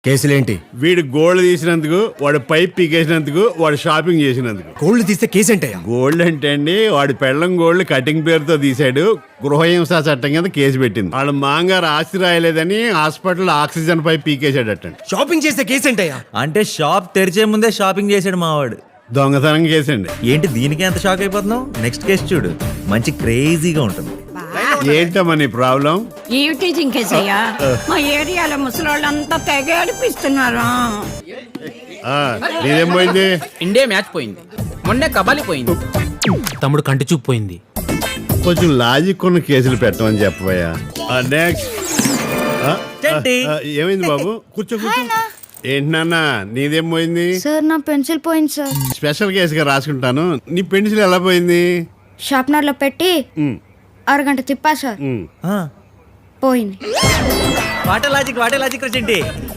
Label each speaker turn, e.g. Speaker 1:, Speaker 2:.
Speaker 1: కేసులేంటి?
Speaker 2: వీడు గోల్డ్ తీసినందుకు, వాడు పైప్ పీకేసినందుకు, వాడు షాపింగ్ చేసినందుకు.
Speaker 1: గోల్డ్ తీస్తే కేసు ఏంటయ్యా?
Speaker 2: గోల్డ్ అంటే అండి, వాడి పెళ్ళం గోల్డ్ కటింగ్ పేరుతో తీశాడు. గృహహింస చట్టం కింద కేసు పెట్టింది. వాళ్ళ మాంగారు ఆస్తి రాయలేదని హాస్పిటల్ ఆక్సిజన్ పైప్ పీకేశాడటండి.
Speaker 1: షాపింగ్ చేస్తే కేసు ఏంటయ్యా?
Speaker 3: అంటే షాప్ తెరిచే ముందే షాపింగ్ చేశాడు మావాడు.
Speaker 2: దొంగతనం కేసండి.
Speaker 3: ఏంటి దీనికి ఎంత షాక్ అయిపోతున్నావు? నెక్స్ట్ కేసు చూడు, మంచి క్రేజీగా ఉంటుంది.
Speaker 2: ఏంటమ్మా నీ ప్రాబ్లం?
Speaker 4: ఈవ్ టీచింగ్ కేసయ్యా. మా ఏరియాలో ముసలోళ్ళంతా తెగ ఏడిపిస్తున్నారు.
Speaker 2: నీదేం పోయింది?
Speaker 5: ఇండియా మ్యాచ్ పోయింది, మొన్నే కబాలి పోయింది,
Speaker 6: తమ్ముడు కంటి చూపు పోయింది.
Speaker 2: కొంచెం లాజిక్ ఉన్న కేసులు పెట్టమని చెప్పబోయా. నెక్స్ట్. ఏమైంది బాబు? కూర్చో కూర్చో. ఏంటి నాన్న నీదేం పోయింది?
Speaker 7: సార్ నా పెన్సిల్ పోయింది సార్.
Speaker 2: స్పెషల్ కేసుగా రాసుకుంటాను. నీ పెన్సిల్ ఎలా పోయింది?
Speaker 7: షార్ప్నర్ లో పెట్టి అరగంట తిప్పా సార్, పోయింది.
Speaker 3: వాటే లాజిక్ రా చెంటి.